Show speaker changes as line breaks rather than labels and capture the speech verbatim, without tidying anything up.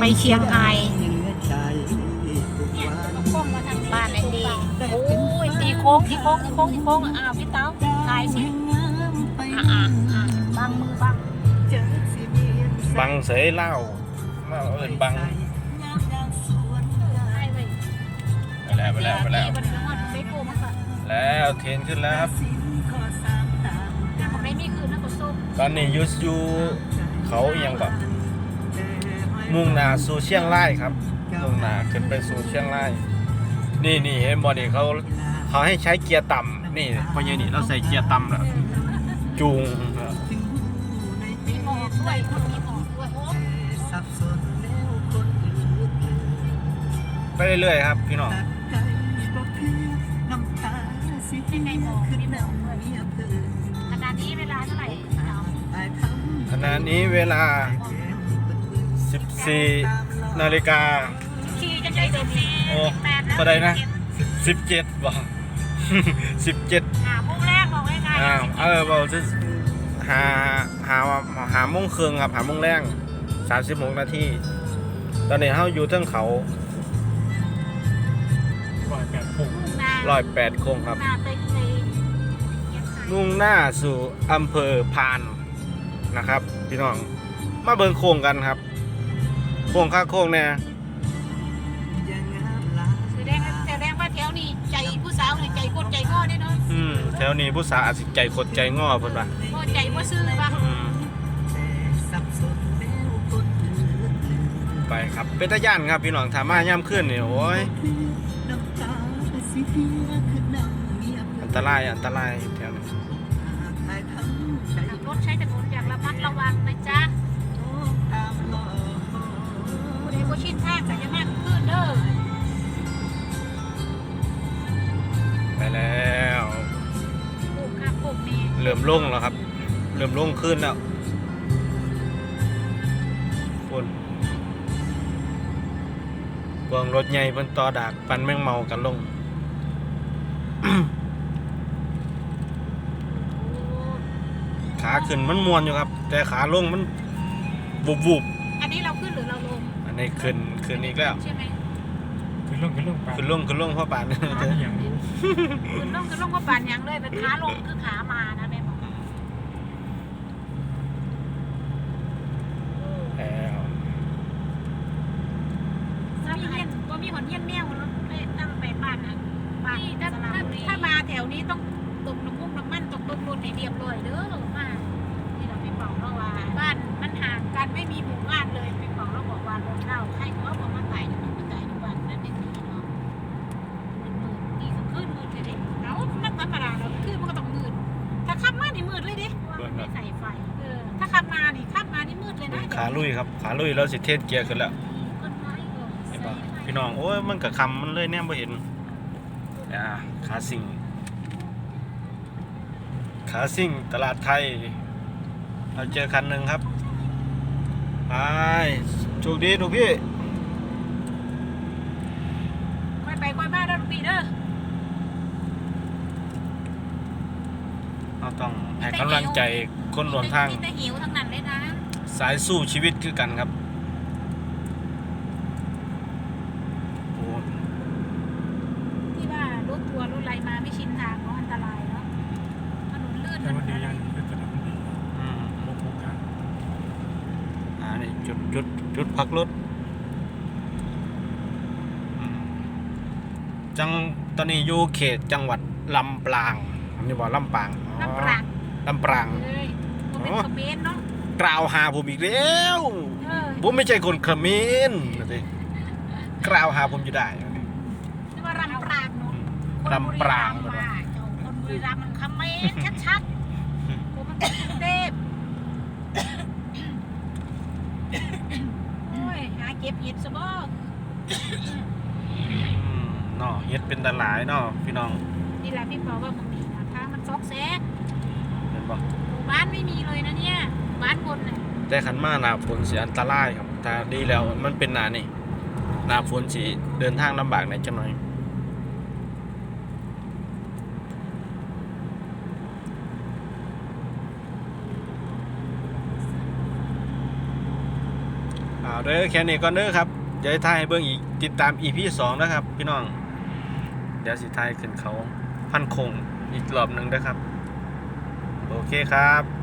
ไปเชียงราย
เนี่ยก็โค้งมาทางนี้
บ้านไอ้ดีโอ้ยตีโค้งตีโค้งตีโค้งตีโค้งอ้าวพี่เต้าถ่ายสิอ่ะอ่ะอ่ะบังมือบัง
บังเสยเล่าเล่าเอินบัง
ถ่ายไว้
ไปแล้วไปแล้วไปแล้ว
มันนอนไม่โกมันก็
แล้วเทรนขึ้นแล้วครับ
มันไม่มีคืนนะก็ส้ม
ตอนนี้ยูสยูเขาเอียงก่อนมุ่งหน้าสู่เชียงรายครับมุ่งหน้าขึ้นไปสู่เชียงรายนี่นี่เห็นบอนี่เขาเขาให้ใช้เกียร์ต่ำนี่พอเยนี่เราใส่เกียร์ต่ำแล้วจูง
มีหมอกด้วยคนมีหมอกด้วย
ไปเรื่อยๆครับพี่น้อง
เป็นไงหมอกมีหมอกด้วยขนาดนี้เวลาเท่าไหร่เต้า
ขณะนี้เวลาสิบสี่นาฬิกา
ขี่จะได้สิบสี่
โอ้
สิบแปดแล้ว
เท่าใดนะ สิบเจ็ดบ่ สิบเจ็ด
หาพุ่งแรกบอกง่ายๆ
อ้าวเออบอกจะหาหาหาโมงครึ่งครับหาโมงแรงสามสิบหกนาทีตอนนี้เขาอยู่เทิงเขาร้อยแปดโค้งร้อยแปดโค้งครับ
หน้าไปไป
มุ่งหน้าสู่อำเภอพานนะครับพี่น้องมาเบิ่งโค้งกันครับโค้งค่าโค้งเนี่ย
แสดงแสดงว่าแถวนี้ใจผู้สาวนี่ใจกดใจง้อได้เนาะ
อืมแถวนี้ผู้สาวอาจสิใจขดใจง้อเพิ่นว่า
ง้อใจว่าซื้อป่ะ
อืมไปครับเป็นตาย่านครับพี่น้องถามมาย่ำขึ้นนี่โอ้ยอันตรายอันตรายแถวนี้
ขับรถใช้ถนนอย่างระมัดระวังนะจ๊ะผู้ใดบ่ชินทางก็จะมากขึ้นเด้อ
ไปแล้ว
ปลูกค่ะปลูกนี่
เริ่มลงแล้วครับเริ่มลงขึ้นแล้วคนพวงรถใหญ่เพิ่นต่อดากปันแมงเมากันลง ขาขึ้นมันมวนอยู่ครับ แต่ขาลงมันบุบบุบ
อันนี้เราขึ้นหรือเราลง
อันนี้ขึ้นขึ้นอีกแล้ว
ใช่ไหม
คือลงคือลงปลา
ขึ้นลงขึ้นลงพ่อป่าน
อย่างรู้
ขึ้นลงขึ้นลงก็ปานยังเลยเป็นขาลงคือขามานะแม่บอก
แล้ว
ถ้ามีเงี้ยก็มีหอนเงี้ยแมวรถเลยตั้งไปบ้านนะบ้านถ้าถ้ามาแถวนี้ต้องตกน้ำมุกน้ำมันตกต้นรถในเรียบร้อยเด้อมาที่เราไปเป่าเราว่าบ้านมันห่างกันไม่มีหมู่บ้านเลยไปเป่าเราบอกว่ารถเราใครเขาบอกมาตายอยู่มันตายอยู่บ้านนั่นเองเนาะมันมืดดีก็ขึ้นมืดเลยเด็กเอามันธรรมดาเราขึ้นมันก็ต้องมืดถ้าขับมานี่มืดเลยดิว่ามันไม่ใส่ไฟเออถ้าขับมานี่ขับมานี่มืดเลยนะ
ขาลุยครับขาลุยแล้วสิเทศเกียร์ขึ้นแล้ว
ต้นไม้เออ
เห็นปะพี่น้องโอ้ยมันกับคำมันเลยแนมไ่เห็นอ่าขาสิ่งขาสิ่งตลาดไทยเราเจอคันหนึ่งครับไปโชคดีทุกพี่
ค่อยไปค่อยมาเด้อลูกพี่เด้อ
เราต้องให้กำลังใจคนรวมทาง
มีแต่หิวทั้งนั้นเลยนะ
สายสู้ชีวิตคือกันครับโอ้
ที่ว่ารถทัวร์รถอะไรมาไม่ชินทางเนาะอันตรายเนาะถนนลื่น
แต่
ถน
วัน
น
ดี
อะไร
ยังคือถนนดี
อืม
โลกโอกาส
อ่านี่จุดจุดจุดพักรถอืมจังตอนนี้อยู่เขตจังหวัดลำปางอันนี้บอกลำปางอ๋อ
น้ำปราง
ลำปาง
เลยผมเป็นคอมเมนต์เนาะ
กล่าวหาผมอีกแล้ว
เออ
ผมไม่ใช่คนเขมรนะสิกล่าวหาผมอยู่ได้
นี่ว่าลำปรางเนาะ
ลำปราง
คนบุรีรัมย์ว่าเจ้าคนบุรีรัมย์มันคอมเมนต์ชัดๆผมมันเป็นกรุงเทพโอ้ยหาเก็บเห็ดซะบ่
อืมเนาะเฮ็ดเป็นตาหลายเนาะพี่น้อง
นี่แหละพี่บอกว่ามึงมีนะทางมันซอกแซก
เห็นปะ
หมู่บ้านไม่มีเลยนะเนี่ยหมู่บ้านคนน่ะ
แต่ขันมาหนาฝนเสียอันตรายครับถ้าดีแล้วมันเป็นหนานี่หนาฝนสีเดินทางลำบากหน่อยจังหน่อยไปเอาเด้อแค่นี้ก่อนเด้อครับเดี๋ยวจะถ่ายให้เบิ่งอีกติดตาม อี พี สองนะครับ พี่น้อง เดี๋ยวสิถ่ายขึ้นเขาพันคงอีกรอบหนึงเด้อครับ โอเคครับ